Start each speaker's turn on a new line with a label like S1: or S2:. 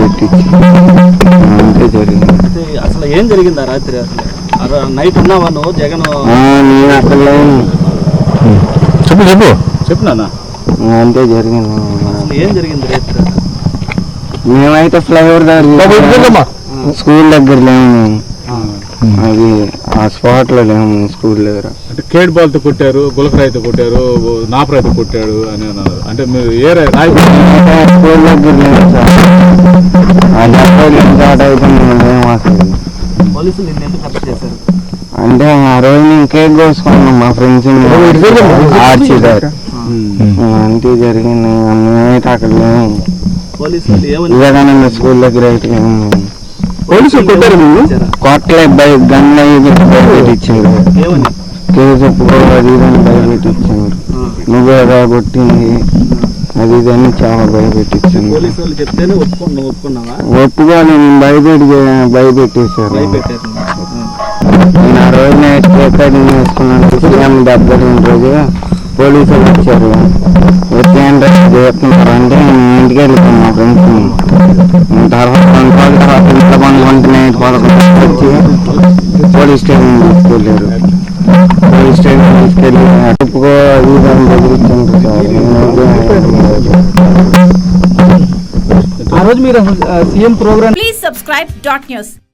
S1: భయపెట్టించి అంతే జరిగింది.
S2: అసలు ఏం జరిగిందా రాత్రి? అసలు నైట్ ఉన్నావా నువ్వు? జగన్
S1: నేను అక్కడ లేను.
S3: చెప్పు నాన్న.
S1: అంతే జరిగింది.
S2: అసలు ఏం జరిగింది రాత్రి?
S1: మేమైతే ఫ్లైఓవర్ దగ్గర స్కూల్ దగ్గర లేము మేము. అది ఆ స్పాట్ లో లేము స్కూల్ దగ్గర.
S3: అంటే కేడ్ బాల్ తో కొట్టారు, గులకరాయితో కొట్టారు, నాపరాయితో కొట్టాడు అని అన్నారు. అంటే మీరు ఏ
S1: స్కూల్ దగ్గర లేము సార్. అది అప్పుడు స్టార్ట్ అయితే మేము లేము అసలు.
S2: పోలీసులు నిన్ను ఎందుకు అరెస్ట్ చేశారు?
S1: అంటే ఆ రోజు నేను కేక్ కోసుకున్నాం మా ఫ్రెండ్స్ ఆర్చిదారు. అంతే జరిగింది. మేమైతే అక్కడ లేము.
S2: పోలీసులు ఏమని?
S1: వివేకానంద స్కూల్ దగ్గర అయితే లేము.
S2: పోలీసులు కొట్టారు
S1: కొట్టలే గన్ భయపెట్టించారు.
S2: ఏమని?
S1: కేసు ఒప్పుకో అది ఇదని భయపెట్టించారు. నువ్వే కొట్టింది అది ఇదని చాలా భయపెట్టించాను.
S2: పోలీసు వాళ్ళు చెప్తేనే ఒప్పుకున్నావా?
S1: ఒప్పుకోని భయపెట్టేశారు. నేను ఆ రోజు నైట్ రికార్డింగ్ వేసుకున్నాను. సీఎం దెబ్బతిన రోజు పోలీసులు వచ్చారు. వచ్చి ఏంటో చేస్తున్నారు అంటే నేను ఇంటికి వెళ్ళిపోయాను మా ఫ్రెండ్స్. తర్వాత 2 రోజుల తర్వాత ఇంట్లో పండుకుంటే 11 వచ్చి పోలీస్ స్టేషన్ తీసుకెళ్ళారు. పోలీస్ స్టేషన్ తీసుకెళ్ళి ఒప్పుకో అది దాన్ని బెదిరించారు సార్.
S2: ఆ రోజు మీరు CM programme.
S4: Please subscribe dot news.